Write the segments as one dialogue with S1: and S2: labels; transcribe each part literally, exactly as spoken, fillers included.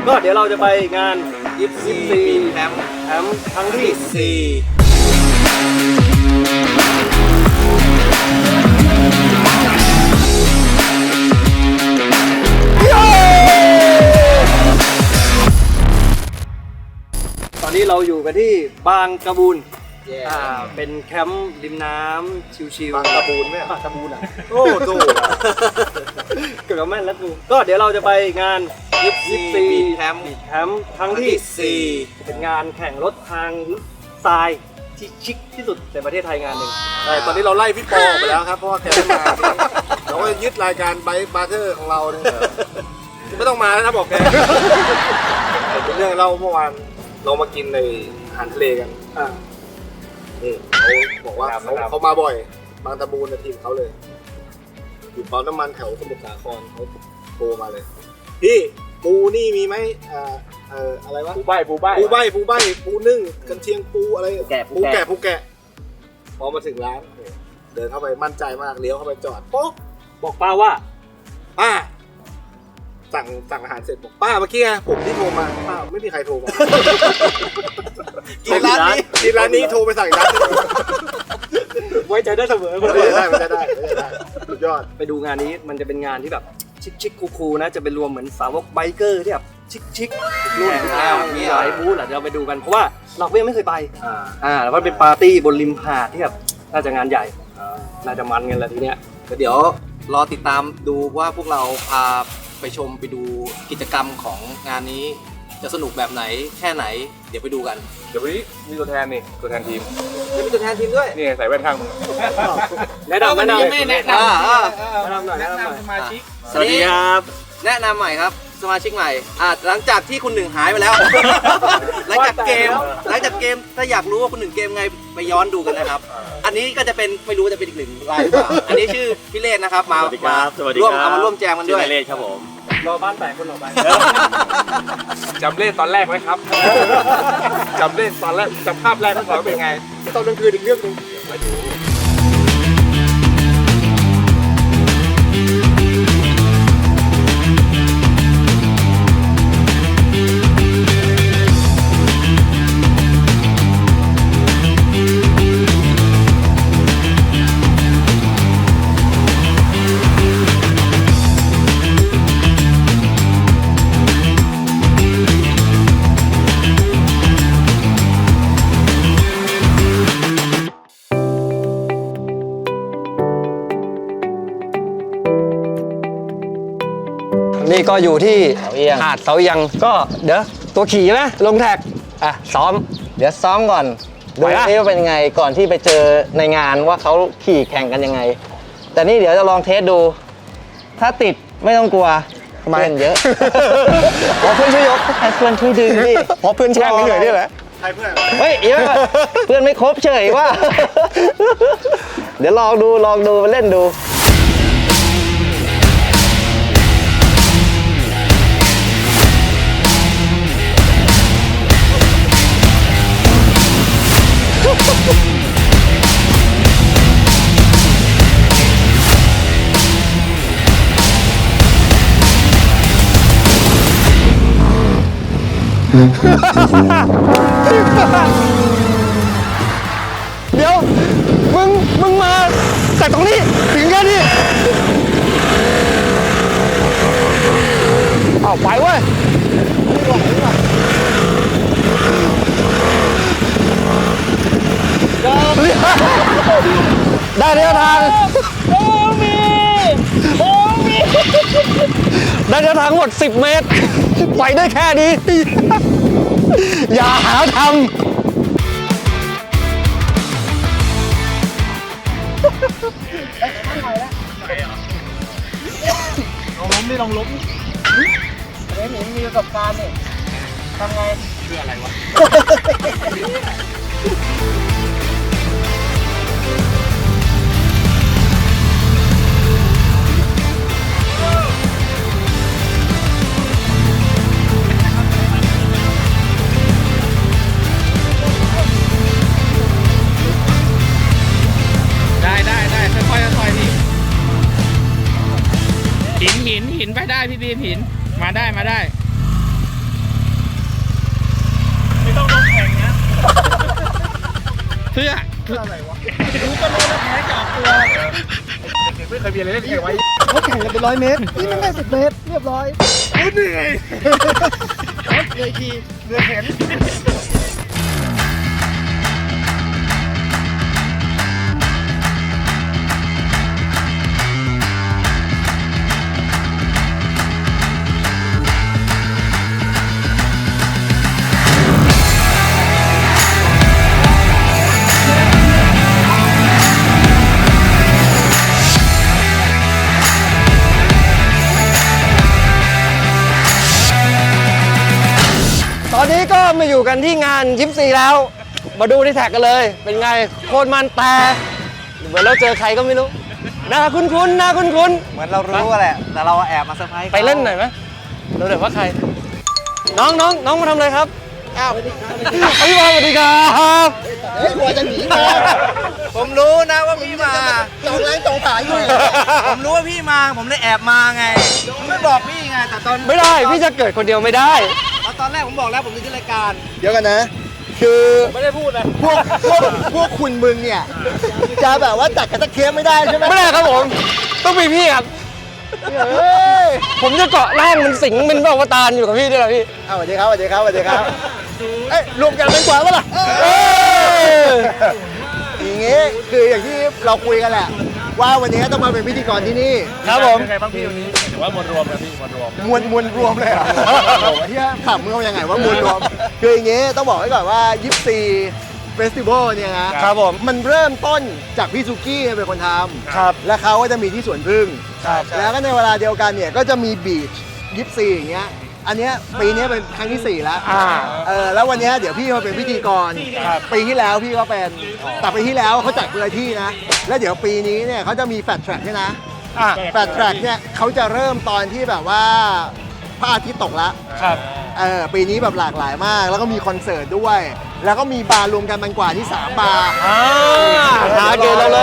S1: ก็เดี๋ยวเราจะไปงาน
S2: ยี่สิบสี่แคมป์
S1: แคมป์ครั้งที่
S2: สี่
S1: ตอนนี้เราอยู่กันที่บางกระบูน
S2: yeah.
S1: อ่าเป็นแคมป์ริมน้ำชิวๆ
S2: บางกระบูนไหม
S1: บางกระบูนอ่ะ
S2: โอ้โห
S1: เกือบแม่นแล้วกูก็เดี๋ยวเราจะไปงานยี่สิบสี่
S2: แคมป์
S1: แคมป์ครั้งที่สี่เป็นงานแข่งรถทางทรายที่ชิคที่สุดในประเทศไทยงานหนึ่ง
S2: ใช่ตอนนี้เราไล่พี่ปอออกไปแล้วครับเพราะว่าแกไม่มาเราก็ยึดรายการไบค์บาร์เทอร์ของเราเนี่ยไม่ต้องมาแล้วนะบอกแกเป็นเรื่องเล่าเมื่อวานเรามากินในอาหารทะเลกันอ่านี่เขาบอกว่าเขาเขามาบ่อยบางตะบูนในทีมเขาเลยอยู่ปั๊มน้ำมันแถวสมุทรสาครเขาโทรมาเลยพี่ปูนี่มีไหมอ่าเอ่ออะไรวะ
S3: ปูใบปูใบ
S2: ปูใบปูใบปูนึ่งกันเชียงปูอะไร
S1: ปูแกะ
S2: ปูแกะปูแกะพอมาถึงร้านเดินเข้าไปมั่นใจมากเลี้ยวเข้าไปจอดโป๊ะ
S1: บอกป้าว่า
S2: ป้าสั่งสั่งอาหารเสร็จบอกป้าเมื่อกี้ไงผมที่โทรมาป้าไม่มีใครโทรมากินร้านนี้กินร้านนี้โทรไปสั่งร้านนึง
S1: ไว้ใจได้เสมอคน
S2: ไม่
S1: เดียว
S2: ได้ไม่ได้ไม่ได้สุดยอด
S1: ไปดูงานนี้มันจะเป็นงานที่แบบชิคชิคคูคูๆนะจะเป็นรวมเหมือนสาวกไบเกอร์ที่แบบชิคชิคๆรุ่นมีหลายบูธแหละเดี๋ยวเราไปดูกันเพราะว่าเราก็ยังไม่เคยไปอ่าแล้วก็เป็นปาร์ตี้บนริมหาดที่แบบน่าจะงานใหญ่น่าจะมันกันแหละทีเนี้ย
S4: เดี๋ยวรอติดตามดูว่าพวกเราพาไปชมไปดูกิจกรรมของงานนี้จะสนุกแบบไหนแค่ไหนเดี๋ยวไปดูกัน
S3: เดี๋ยววันนี้มีตัวแทนนี่ตัวแทนทีม
S4: จะมีตัวแทนทีมด้วย
S3: นี่ใส่แว่นข้างมึง
S1: แนะนำแนะนำ
S4: ไม่แนะนำ
S1: แนะนำหน่อยแนะนำหน่อย
S3: สมาชิก
S1: สวัสดีครับ
S4: แนะนำใหม่ครับสมาชิกใหม่อ่าหลังจากที่คุณหนึ่งหายไปแล้ว หลังจากเกมหลังจากเกมถ้าอยากรู้ว่าคุณหนึ่งเกมไงไปย้อนดูกันนะครับ อันนี้ก็จะเป็นไม่รู้จะเป็นอีกหนึ่งรายหรือเปล่าอันนี้ชื่อพี่เลศนะครับมามาร่วมเอามาร่วมแจมกันด้วย
S3: เลศครับผม
S1: รอบ้านแตกคนออกไป
S3: จำเลขตอนแรกไหมครับจำเลขตอนแรกจำภาพแรกของเราเป็นไง
S2: ตอนกลางคืนอีกเรื่องนึง
S1: นี่ก็อยู่ที่หาดเสาเอียงก็เดี๋ยวตัวขี่นะลงแท็กอ่ะซ้อม
S5: เดี๋ยวซ้อมก่อน
S1: ไหว
S5: ดู
S1: ปะ
S5: ซิว่าเป็นยังไงก่อนที่ไปเจอในงานว่าเขาขี่แข่งกันยังไง แต่นี่เดี๋ยวจะลองเทสดู ถ้าติดไม่ต้องกลัวเพื่อนเยอะ
S1: ขอเพื่อนช่วยยก
S5: ให้เพื่อนช่วยดึงดิ
S1: ขอเพื่อนแช่งเหนื่อยนี่แหละ
S2: ใครเพื่อน
S5: เฮ้ยเดี๋ยวเพื่อนไม่ครบเฉยว่า เดี๋ยวลองดูลองดูมาเล่นดู
S1: เดี๋ยวมึงมึงมาจากตรงนี้ถึงแค่นี้เอาไปเว้ยได้เดียวทางโอ้มีโอ้มีได้เดียวทางหมดสิบเมตรไปได้แค่นี้อย่าหาทำลองล้มดิลองล้มเฮ้ยหนูมีประสบการณ์นี่ทำไงเชื่ออะไรวะ
S6: ได้ได้ได้ค่อยๆค่อยๆพี่หินหินหินไปได้พี่บีมหินมาได้มาได้ไม่ต้องลงแข่งนะเพื่อ
S3: ไม่เคยมีอะไรเล่นแข่งไว้
S1: เขาแข่งกันเป็นร้อยเมตร นี่มันได้สิบเมตร เรียบร้อย
S3: เหนื่อย
S1: เลยทีเรือเห็น ตอนนี้ก็มาอยู่กันที่งานยิปซีแล้ว มาดูที่แท็กกันเลย เป็นไงโคตรมันแต่เหมือนเราเจอใครก็ไม่รู้หน้าคุ้นๆหน้าคุ้น
S5: เหมือนเรารู้แหละ แต่เราแอบมาเซอร์ไพรส์
S1: ๆไปเล่นหน่อยไหมดูหน่อยว่าใคร น้องน้องน้องมาทำอะไรครับอ้าวพี่บอลสวัสดีครับ
S2: เฮ้ยหัวจะหนีมา
S4: ผมรู้นะว่าพี่มา
S2: จองร้านจองขายอยู่
S4: ผมรู้ว่าพี่มา ผมเลยแอบมาไงผมไม่บอกพี่ไง แต่ตอน
S1: ไม่ได้พี่จะเกิดคนเดียวไม่ได้
S4: ตอนแรกผมบอกแล้วผมจะขึ้นรายการ
S2: เดี๋ยวกันนะ คือไม่ได้พูดนะพวกพวกพวกคุณมึงเนี่ยจะแบบว่าจัดกันตะเคียบไม่ได้ใช่ไหม
S1: ไม่ได้ครับผม ต้องมีพี่ครับ
S2: เฮ้ย
S1: ผมจะเกาะร่างมันสิงเป็นอวตารอยู่กับพี่ด้วยเหรอพี่
S2: เอาสวัสดีครับสวัสดีครับสวัสดีครับเอ้ยรวมกันเป็นกว่าปะล่ะ
S1: เอ้ย
S2: อย่างงี้คืออย่างที่เราคุยกันแหละ ว่าวันนี้ต้องมาเป็นพิธีกรที่นี่
S1: ครับผม
S3: ยังไงบ้างพี่วันนี้ถือว่ามวลรวมนะพี่มวลรวม
S2: มวลมวลรวมเลยเหรอโอ้โหที่ถามมึงเอายังไงว่ามวลรวม คืออย่างงี้ต้องบอกไว้ก่อนว่ายิปซีเฟสติวัลเนี่ยนะครับ
S1: ผม
S2: มันเริ่มต้นจากพี่ซูกี้เป็นคนทำ
S1: ครับ
S2: และเขาก็จะมีที่สวนพึ่ง
S1: ครับ
S2: แล้วก็ในเวลาเดียวกันเนี่ยก็จะมีบีชยิปซีอย่างเงี้ยอันเนี้ยปีนี้เป็นครั้งที่สี่แล้ว
S1: อ่า
S2: เออแล้ววันเนี้ยเดี๋ยวพี่มาเป็นพิธีกร
S1: ครับ
S2: ปีที่แล้วพี่ก็เป็นแต่ปีที่แล้วเขาจัดคนละที่นะแล้วเดี๋ยวปีนี้เนี่ยเขาจะมีแฟลชแทร็กด้วยนะ
S1: อ่ะ
S2: แฟลชแทร็กเนี่ยเขาจะเริ่มตอนที่แบบว่าพระอาทิตย์ตกแล้ว
S1: ครับ
S2: เออปีนี้แบบหลากหลายมาก แล้วก็มีคอนเสิร์ตด้วย แล้วก็มีบาร์รวมกันมันกว่าที่สามบาร์
S1: อ่าหาเกณฑ์เราเลย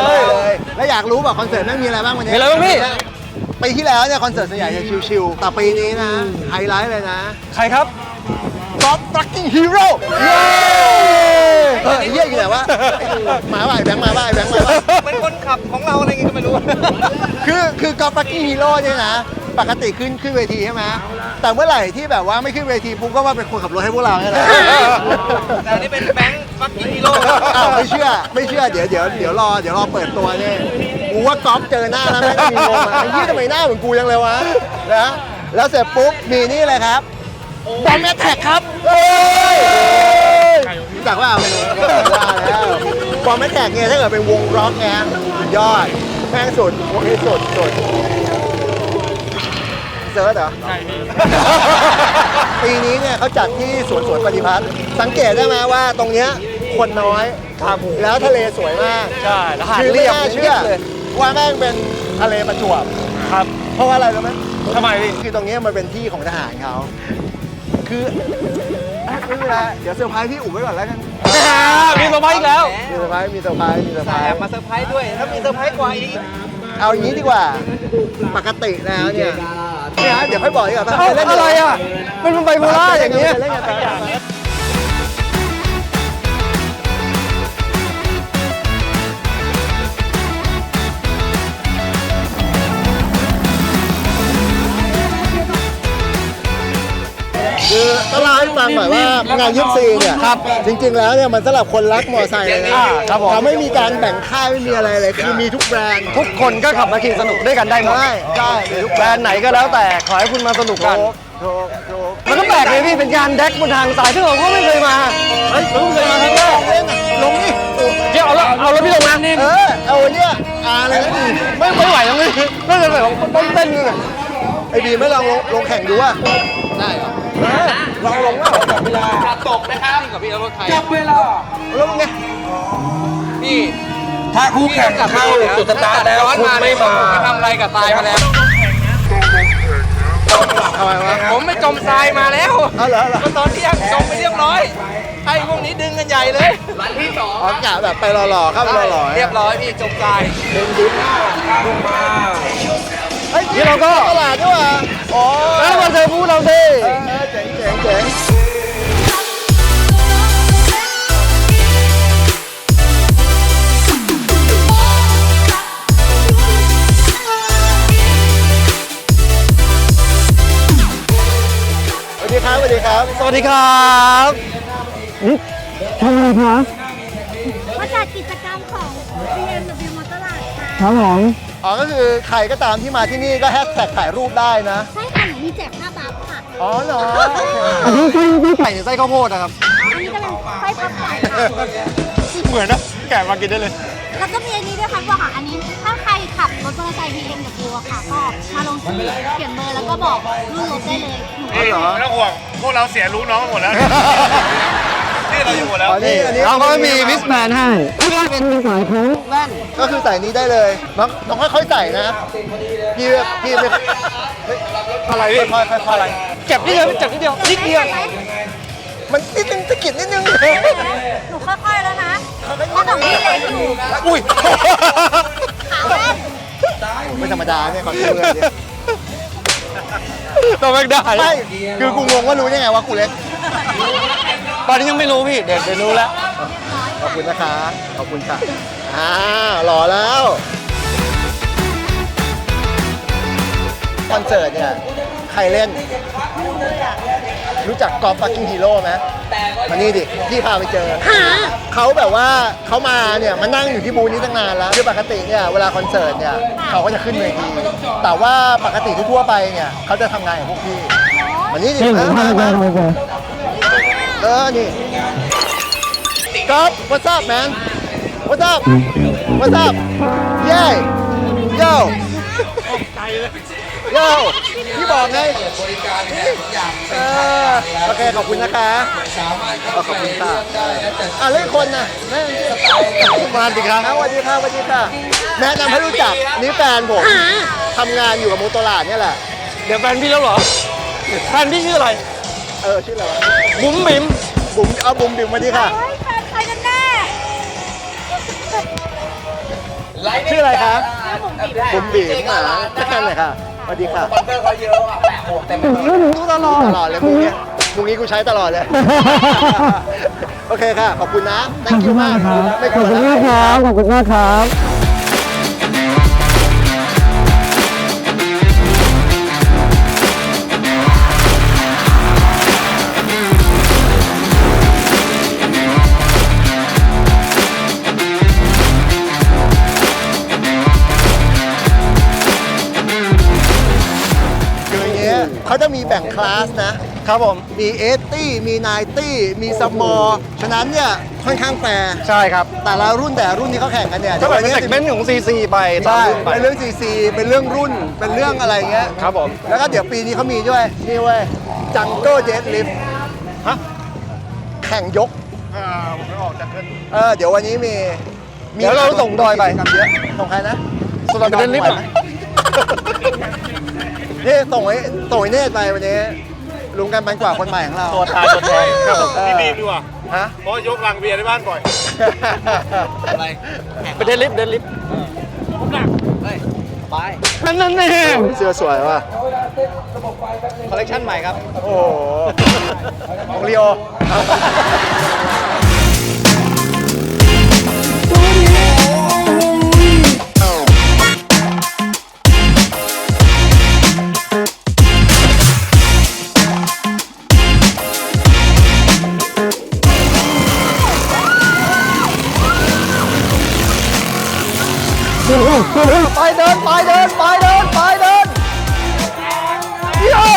S2: แล้วอยากรู้แบบคอนเสิร์ตแม่งมีอะไรบ้างวันนี้
S1: มีอะไรบ้างพี่
S2: ปีที่แล้วเนี่ยคอนเสิร์ตส่วนใหญ่จะชิวๆแต่ปีนี้นะไฮไลท์เลยนะ
S1: ใครครับ
S2: God fucking hero เย้เออไอ้เหี้ยอยู่ไหนวะมาว่าไอ้แบงค์มาว่าไอ้แบงค์มาว่า
S4: เป็นคนขับของเราอะไรเงี้ยก็ไม่รู้
S2: คือคือ God fucking hero เนี่ยนะ ปกติขึ้นขึ้นเวทีใช่ไหมแต่เมื่อไหร่ที่แบบว่าไม่ขึ้นเวทีปุ๊บก็ว่าเป็นคนขับรถให้พวกเราเนี่ยแหละ
S4: แต่อันนี้เป็นแบงค์ฟักกิ้งฮีโร่
S2: อ้าวไม่เชื่อไม่เชื่อเดี๋ยวเดี๋ยวเดี๋ยวรอเดี๋ยวรอเปิดตัวเนี่ยกูว่าก๊อฟเจอหน้าแล้วแม่งมีงงอ่ะไอ้ยี่ทำไมหน้าเหมือนกูยังเลยวะนะแล้วเสร็จปุ๊บมีนี่เลยครับบอมแมทแท็กครับเฮ้ยรู้จักว่าไม่รู้ว่าแล้วบอมแมทแท็กเนี่ยถ้าเกิดเป็นวงร็อกไงยอดแม่งสุดวงนี้สุดสุดเซิร์ชเหรอ
S6: ใช่พี่
S2: ปีนี้เนี่ยเขาจัดที่สวนสวนปฏิพัฒน์สังเกตได้ไหมว่าตรงเนี้ยคนน้อยครับแล้วทะเลสวยมาก
S1: ใช่แล้วหาด
S2: คือไม่
S1: เรียบ
S2: น่าเชื่อ
S1: เลย
S2: ว่าแม่งเป็นทะเลประจวบ
S1: ครับ
S2: เพราะว่าอะไรรู้ไหม
S1: ทำไมพี่
S2: คือตรงเนี้ยมันเป็นที่ของทหารเขาคืออ่ะไม่เป็นไรเดี๋ยวเซอร์ไพรส์พี่อุ๋มไว้ก่อนแล้วกัน
S1: มีสบายอีกแล้ว
S2: มีเซอร์ไพรส์มีเซอร์ไพรส์มีเซอร์ไพร
S4: แอบ
S2: ส์
S4: มาเซอร์ไพรส์ด้วย ถ้ามีเซอร์ไพรส์กว่าอีก
S2: เอาอย่างนี้ดีกว่าปกติแล้วเนี่ยเนี่ยเดี๋ยวค่อยบอกดีกว่า
S1: เอ้าอะไรอ่ะ เป็นไบโพล่าอย่างเงี้ย
S2: เล่นกันไปคือต้องเล่าให้ฟังหน่อยว่างานยิปซีเนี่ยครับจริงๆแล้วเนี่ยมันสำหรับคนรักมอเตอร์ไซค์เลยนะ
S1: อ่าครับผม
S2: เขาไม่มีการแบ่งค่ายไม่มีอะไรเลยคือมีทุกแบรนด์
S1: ทุกคนก็ขับมาขี่สนุกด้วยกันได้หมด
S2: ใช่ใช่มีทุก
S1: แบรนด์ไหนก็แล้วแต่ขอให้คุณมาสนุกกัน
S2: ถูกถูก
S1: มันก็แปลกเลยพี่เป็นการแดกบนทางสายที่เราก็ไม่เคยมา เฮ้ยเราเพิ่งเคยมาครั้งแรก
S2: เล่นอะลงนี่
S1: เดี๋ยวเอาละเอารถพี่ลงนะ
S2: เออเอาเนี่ยอาเลยนะ
S1: ไม่ไม่ไหวแล้วนี่น่าจะแบบต้นเต้นเลย
S2: ไอ้บีไม่ลองลงลงแข่งดูอ่ะได้เหรอลองลงว่าจับเวลา
S4: ตกนะครับกับพี่เอารถไทย
S2: ลงไง
S4: พี่
S3: ถ้าคู่แข่งเข้าจุดสตาร์ทแล้วคุณไม่มา
S4: จะทำอะไรกับทรายมาแล้ว
S2: ทำไมวะ
S4: ผมไม่จมทรายมาแล้ว
S2: เอาเหรอเหรอ
S4: ก็ตอนเที่ยงจมไปเรียบร้อยไอ้พวกนี้ดึงกันใหญ่เลยวันที่สอง
S2: อ๋อกะแบบไปหล่อๆเข้าไปหล่อๆ
S4: เรียบร้อยพี่จมทราย
S2: เฮ้ยนี่เราก็ตลาดด้วยว่ะอ๋อ
S1: แล้วมาเจอพูดเราสิ
S2: เออเจ๋งเจ๋งเจ๋งครับ
S1: สวัสดีครับทำอะไรครับ
S7: มาจัดกิจกรรมของ บี เอ็ม ดับเบิลยู Motorrad ค่ะ
S1: ครับผม
S2: อ๋อ ก็คือใครก็ตามที่มาที่นี่ก็แฮชแท็กถ่ายรูปได้นะ
S7: ใช่ค่ะหนูมีแจกผ้าบัฟค่ะ
S2: อ๋อเหรอ
S1: อันนี้ไส้ไส้ไก่หรือไส้ข้าวโพดนะครับ
S7: อันนี้ก็เป็นไส้พับไก่ค่ะ
S2: เหมือนนะแกะมากินได้เลย
S7: แล้วก็มีอันนี้ด้วยค่ะบอกค่ะ อันนี้ถ้าใครขับรถมอเตอร์ไซค์ บี เอ็ม ดับเบิลยู อะค่ะ ก็มาลงชื่อเขียนเบอร์แล้วก็บอกรุ่นรถได้เลยหนู
S2: อ๋อเหรอ
S3: ไม่ต้องห่วง พวกเราเสียรู้น้องกันหมดแล้ว ที่เราอยู่หมดแล้ว
S2: อ๋อนี่อันนี้
S1: เราก็มีวิสแมนให้ที่ว่าเป็นสายของแว่น
S2: ก็คือใส่นี้ได้เลยน้องน้องค่อยๆใส่นะ พี่พี่ไม่อะไรพี่ค่อยๆค่อยๆอะไร
S1: เจ็บนิดเดียวเจ็บนิดเดียวนิดเดียว
S2: มันนิดนึงตะกิดนิดนึง
S7: หนูค่อยๆแล้วนะเพราะของพี่เล็กอยู่
S2: อุ้ย
S7: ขาแว่น
S2: ไม่ธรรมดาเนี่ยคอนเสิร์ตเนี่ย
S1: ตัวแม่งได้
S2: ไม่คือกูงงว่ารู้ยังไงว่ากูเล็ก
S1: ตอนนี้ยังไม่รู้พี่ เดี๋ยวเดี๋ยวรู้แล้ว
S2: ขอบคุณนะคะ ขอบคุณค่ะ อ่าหล่อแล้ว คอนเสิร์ตเนี่ย ใครเล่น รู้จักกอล์ฟฟักกิ้งฮีโร่ไหมมานี่ดิ พี่พาไปเจอ เขาแบบว่าเขามาเนี่ยมานั่งอยู่ที่บูธนี้ตั้งนานแล้วคือปกติเนี่ยเวลาคอนเสิร์ตเนี่ยเขาก็จะขึ้นเวที แต่ว่าปกติทั่วๆไปเนี่ยเขาจะทำงานกับพวกพี่มานี่ดิมามามาเออ นี่ก๊อฟ what's up man what's up what's up yeah yo yo พี่บอกไงเออโอเค ขอบคุณนะคะขอบคุณค่ะอ่ะเล่นคนนะแม่มาดิครับสวัสดีค่ะสวัสดีค่ะแนะนำให้รู้จักนี่แฟนผมทำงานอยู่กับโมโตราดเนี่ยแหละ
S1: เดี๋ยวแฟนพี่แล้วเหรอ แฟนพี่ชื่ออะไร
S2: เออ ชื่ออะไรวะ
S1: บุ๋มบิ๋ม
S2: บุ๋มเอาบุ๋มดื่มมาดิค่ะ
S7: เฮ้ยแฟนใครกันแน่
S2: ชื่ออะไรคะบุ๋มบีมหมาแค่ไหนค่ะสวัสดีค่ะรู้ตลอดตลอดเลยมุกเนี้ยมุกนี้กูใช้ตลอดเลย โอเคค่ะ ขอบคุณนะ thank you มากไม่กลัวแล้ว
S1: ขอบคุณมากครับ
S2: คืออย่างเงี้ยเขาจะมีแบ่งคลาสนะครับผม มีเอสตี้มีไนตี้มีสมอลฉะนั้นเนี่ยค่อนข้างแฟร์
S1: ใช่ครับ
S2: แต่ละรุ่นแต่รุ่นที่เขาแข่งกันเนี่ย
S1: ก็แบบเป็นเซกเมนต์ของ ซี ซี ไปตาม
S2: ใช่
S1: รุ่นไป
S2: เป็นเรื่องซีซีเป็นเรื่องรุ่นเป็นเรื่องอะไรเงี้ย
S1: ครับผม
S2: แล้วก็เดี๋ยวปีนี้เขามีด้วย นี่เว้ยจังเกิลเจ็ตลิฟ
S1: ฮะ
S2: แข่งยก
S3: อ่าผมไม่ออกจากกัน
S2: เออเดี๋ยววันนี้มี
S1: เดี๋ยวเราส่งดอยไป
S2: กิจกรรมเยอะส่งใครนะ
S1: ส่งดอยไปเดินลิฟต์อะ
S2: นี่ส่งไอ้ส่งไอ้เนตรไปวันนี้ลุงกันปันกว่าคนใหม่ของเรา
S1: ตัวตายตัวแทนครับผม
S3: พี่บีมดีกว่า
S2: ฮะ
S3: เพราะยกลังเบียร์ในบ้านบ่อย
S1: ไปเดินลิฟต์เดินลิฟต์
S5: ไป
S1: นั่นนั่นแน่
S2: เสื้อสวยว่ะ
S5: คอลเลคชันใหม่ครับ
S2: โอ้โหของลีโอ ไปเดินไปเดินไปเดินไปเดินเย้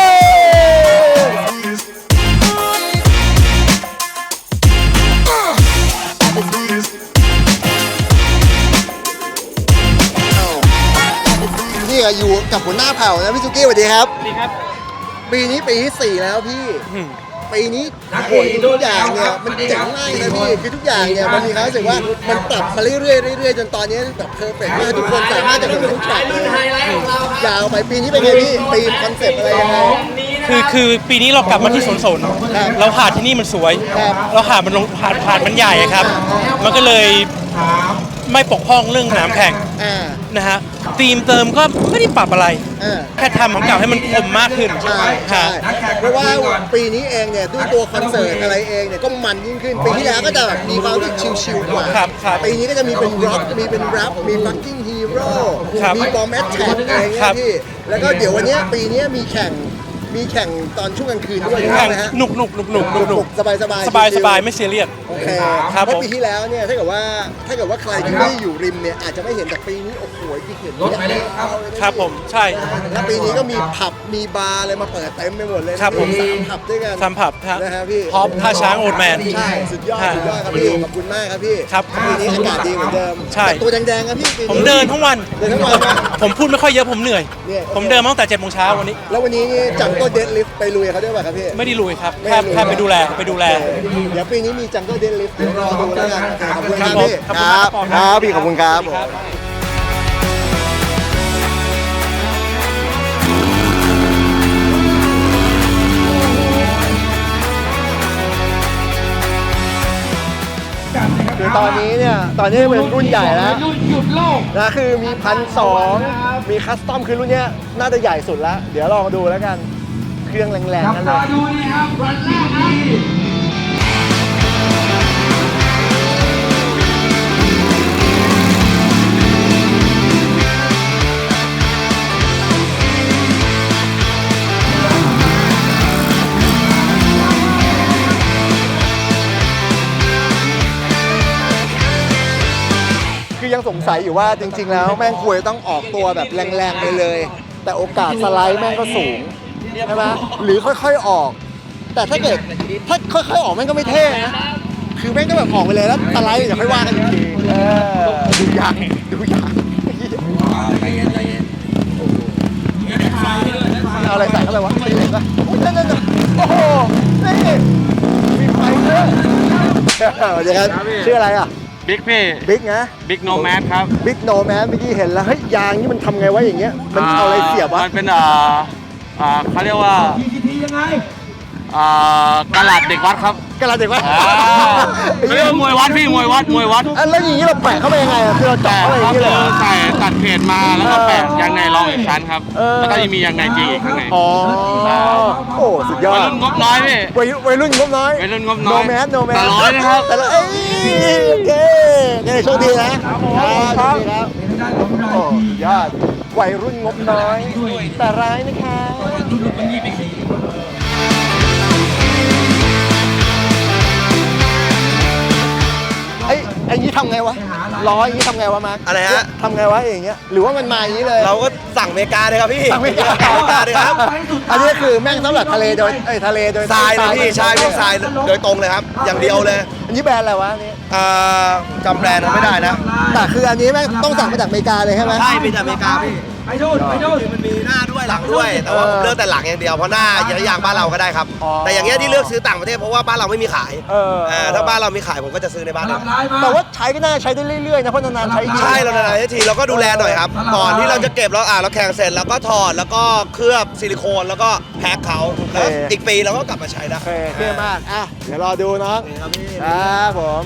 S2: นี่อยู่กับหัวหน้าเผ่านะพี่ซุกี้สวัสดีครับ
S1: สวัสดีครับ
S2: ปีนี้ปีที่สี่แล้วพี่ ปีนี้โหยทุกอย่างเนี่ยมันเจ๋งมากนะพี่คือทุกอย่างเนี่ยมันมีความรู้สึกว่ามันปรับมาเรื่อยๆเรื่อยๆจนตอนนี้แบบเพอร์เฟกต์มากทุกคนสามารถจะขึ้นทุกฉากเลยยาวไปปีนี้เป็นไงพี่ธีมคอนเซ็ปต์อะไรยังไง
S6: คือคือปีนี้เรากลับมาที่สวนสน
S2: ครับ
S6: เราหาดที่นี่มันสวย
S2: ครับ
S6: เราหาดมันลงหาดหาดมันใหญ่อะครับ มันก็เลยไม่ปกป้องเรื่องสนามแข่ง
S2: อ่า
S6: นะฮะธีมเติมก็ไม่ได้ปรับอะไร
S2: อ่า
S6: แค่ทำของเก่าให้มันคมมากขึ้น
S2: ใช่ใช่เพราะว่าปีนี้เองเนี่ยด้วยตัวคอนเสิร์ตอะไรเองเนี่ยก็มันยิ่งขึ้น ปีที่แล้วก็จะแบบมีความรู้สึกชิลๆกว่า
S6: ครับครับ
S2: ปีนี้ก็จะมีเป็นร็อกมีเป็นแรปมีฟักกิ้งฮีโร่
S6: ครับ
S2: มีบอมแมทแท็กอะไร
S6: ครั
S2: เงี้ย
S6: บ
S2: พี่แล้วก็เดี๋ยววันเนี้ยปีนี้มีแข่ง
S8: มีแข่งตอนช่วงกลางคืนด้วย
S6: แข่ง
S8: นะฮะ
S6: หนุกหนุกหนุกหนุกหนุกหนุก
S8: สบายสบาย
S6: สบายสบายไม่เสียเรียส
S8: โอเค
S6: ครับ
S8: เพราะ
S6: ผม
S8: ปีที่แล้วเนี่ยถ้าเกิดว่าถ้าเกิดว่าใครที่ไม่ได้อยู่ริมเนี่ยอาจจะไม่เห็นแต่ปีนี้โอ้โหที่เห็นรถไปเลยครับ
S6: ครับผมใช่
S8: แล้วปีนี้ก็มีผับมีบาร์อะไรมาเปิดเต็มไปหมดเลยนะครับ
S6: ผม
S8: สามผับด้วยกัน
S6: ทำผับฮะ
S8: นะฮะพี่
S6: ฮอปท่าช้างโอดแมน
S8: ใช่สุดยอดสุดยอดครับพี่ขอบคุณมากครับพี่
S6: ครับ
S8: ปีนี้อากาศดีเหมือนเดิม
S6: ใช่
S8: แต่ตัวแดงๆครับพี่ปี
S6: ผมเดินทั้งวัน
S8: เดินทั้งวันนะ
S6: ผมพูดไม่ค่อยเยอะผมเหนื่อย
S8: เนี่ย
S6: ผมเดินมาตั้งแต่เจ็ดโมงเช้าวันนี้
S8: แล้ววันนี้นี่จังก็เดดลิฟต์ไปลุยเขาด้วยป่ะครับพี่
S6: ไม่ได้ลุยครับ
S8: ไม่
S6: แค่
S8: ได้ลุย
S6: แค่ไปดูแลไปดูแล
S8: เดี๋ยวปีนี้มีจังก็เดดลิฟต์เดี๋ยวรอดูแล้วกันขอบคุณครับ
S6: ผม
S8: พี่
S6: ขอบคุณครับ
S8: ครับพี่ขอบคุณครับผม คือตอนนี้เนี่ย ตอนนี้เป็นรุ่นใหญ่แล้วนะคือมีพันสองมีคัสตอมคือรุ่นเนี้ยน่าจะใหญ่สุดแล้ว เดี๋ยวลองดูแล้วกัน เครื่องแรงๆนั่นเลยคือยังสงสัยอยู่ว่าจริงๆแล้วแม่งควรจะต้องออกตัวแบบแรงๆไปเลย แต่โอกาสสไลด์แม่งก็สูงใช่ไหมหรือค่อยๆออก แต่ถ้าเกิดถ้าค่อยๆออกแม่งก็ไม่เท่นะคือแม่งก็แบบออกไปเลยแล้วสไลด์เดี๋ยวค่อยว่ากันอีกทีเออดูยางดูยางเอาอะไรใส่เข้าไปวะไม่เห็นปะโอ้ยนั่นนั่นโอ้โหนี่มีไฟด้วยเดี๋ยวครับชื่ออะไรอ่ะ
S9: บิ๊กพี่
S8: บิ๊กนะ
S9: บิ๊กโนแมสครับ
S8: บิ๊กโนแมนเมื่อกี้เห็นแล้วเฮ้ยยางนี่มันทำไงวะอย่างเงี้ยมันเอาอะไรเสียบวะ
S9: มันเป็นอ่าอ่าเขาเรียกว่าอ่ากระดาษเด็กวัดครับ
S8: กระดาษเด็กวะ
S9: อ่าเขาเรียกว่ามวยวัดพี่มวยวัดมวยวัด
S8: อ่ะแล้วอย่างนี้เราแปะเข้าไปยังไงอ่ะคือเราเจาะเข้าไปอย่าง
S9: ก็
S8: นี้
S9: คื
S8: เลย
S9: อ
S8: เหรอ
S9: ใส่ตัดเพจมาแล้วก็แปะยางในรองอีกชั้นครับ
S8: เออ
S9: แล้วก็ยังมียางในจริงอีกข้างใน
S8: อ๋อโอ้สุดยอ
S9: วัย
S8: ด
S9: รุ่นงบน้อยพี่
S8: วัยวัยรุ่นงบน้อย
S9: วัยรุ่นงบน้
S8: โน
S9: อย
S8: แมนโนแมน
S9: แต่ร้อยนะครับ
S8: แต่ละเอ้ยโอเคโอเคโชคดีนะครับโชคดีครับโอ้สุดยอดวัยรุ่นงบน้อย แต่ร้ายนะคะไอ้ไอ้นี้ทำไงวะล้ออย่างนี้ทำไงวะมาร์ค
S4: อะไรฮะ
S8: ทำไงวะอย่างเงี้ยหรือว่ามันมาอย่างนี้เลย
S4: เราก็สั่งอเมริกาเลยครับพี่
S8: สั่งไม่ได้
S4: สั่งอเมริกาเลยครับ
S8: อันนี้คือแม่งสำหรับทะเลโดยเอ้ยทะเลโดย
S4: ทรายเลยพี่ใช่พวกทรายโดยตรงเลยครับ อย่างเดียวเลย
S8: อันนี้แบรนด์อะไรวะอันนี้
S4: อ่าจำแบรนด์ไม่ได้นะ
S8: แต่คืออันนี้แม่งต้องสั่งมาจากอเมริกาเลยใช่ไหม
S4: ใช่เป็นจากอเมริกาพี่ไปดูไปดูมันมีหน้าด้วยหลังด้วย แต่ว่าผมเลือกแต่หลังอย่างเดียวเพราะหน้าอย่างบ้านเราก็ได้ครับ แต่อย่างเงี้ยที่เลือกซื้อต่างประเทศเพราะว่าบ้านเราไม่มีขาย
S8: เออ
S4: เออถ้าบ้านเรามีขายผมก็จะซื้อในบ้านเรา
S8: แต่ว่าใช้ก็น่าใช้ได้เรื่อยๆนะเพราะนานๆใช้ที
S4: ใช่เรานานๆทีเราก็ดูแลหน่อยครับ ก่อนที่เราจะเก็บเราอ่าเราแข่งเสร็จแล้วก็ถอดแล้วก็เคลือบซิลิโคนแล้วก็แพ็คเขาแล้วอีกปีเราก็กลับมาใช้ได้
S8: โอเคเท่มากอ่ะเดี๋ยวรอดูน้องครับผม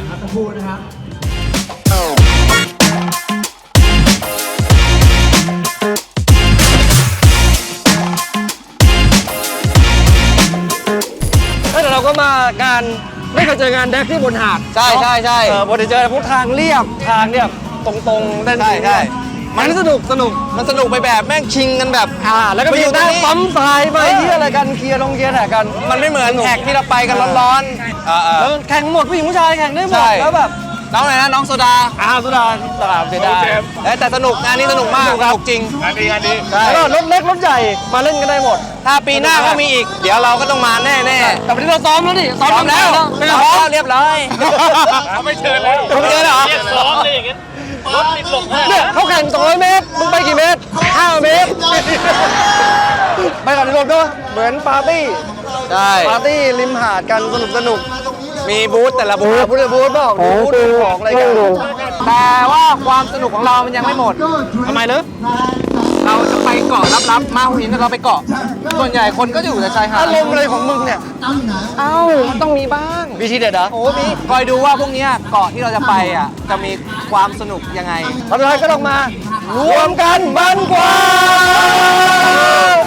S8: เฮ้ยแต่เราก็มางานไม่เคยเจองานแดกที่บนหาด
S5: ใช่ใช่ใช่
S8: เออปกติเจอพวกทางเรียบทางเนี่ยตรงๆเล่น
S5: ใช่ใช่
S8: มันสนุกสนุก
S5: มันสนุกไปแบบแม่งชิงกันแบบ
S8: อ่าแล้วก็
S5: ไป
S8: มี
S5: อยู่ตรง
S8: นั่ง
S5: นี้
S8: ปั๊มทรายไปที่อะไรกันเคลียร์ลงเคลียร์แหกกัน
S5: มันไม่เหมือนแท็กที่เราไปกันร้อนๆเออเออ
S8: แล้วแข่งหมดผู้หญิงผู้ชายแข่งได้หมด
S5: ใช่
S8: แล้วแบบ
S5: น้องไหนนะน้องโซดา
S8: อ้าวสุดาตลาดเสียดาย
S5: เอ้ยแต่สนุกงานนี้สนุกมากสนุกจริง
S3: งานดีงานดี
S5: ใช่
S8: แล้วก็รถเล็กรถใหญ่มาเล่นกันได้หมด
S5: ถ้าปีหน้าก็มีอีก เดี๋ยวเราก็ต้องมาแน่แน่
S8: แต่วันนี้เราซ้อมแล้วนี่ซ้อม
S5: ซ้อมแล้ว
S8: ไม่
S5: ซ้
S8: ได้
S5: อม
S8: ซ้อ
S5: แล้
S8: ม
S5: วเรียบร้อย
S3: เขาไม่เชิญแล้ว
S5: เขาไม่เชิญเหรอ
S3: เรียกซ้อมเลยอย่างเงี้ยรถติดหลบให้
S8: เนี่ยเขาแข่งสองร้อยเมตรมึงไปกี่เมตรห้าเมตรไปกับรวมด้วยเหมือนปาร์ตี้
S5: ใช่
S8: ปาร์ตี้ริมหาดกันสนุกสนุก
S5: มีบูธแต่ละบูธ
S8: พูดเลยพูดเปล่าดูพูดดูของอะไรกัน
S5: แต่ว่าความสนุกของเรามันยังไม่หมด
S8: ทำไมลึก
S5: เราจะไปเกาะลับๆมาหัวหินเราไปเกาะ ส่วนใหญ่คนก็จะอยู่แต่ชายหาด
S8: อารมณ์อะไรของมึงเนี่ย
S5: เอ้ามันต้องมีบ้าง
S8: มีทีเด็ดเหรอ
S5: โอ้มีคอยดูว่าพวกเนี้ยเกาะที่เราจะไปอ่ะจะมีความสนุกยังไง
S8: ทำอะไรก็ต้องมา รวมกันมันกว่า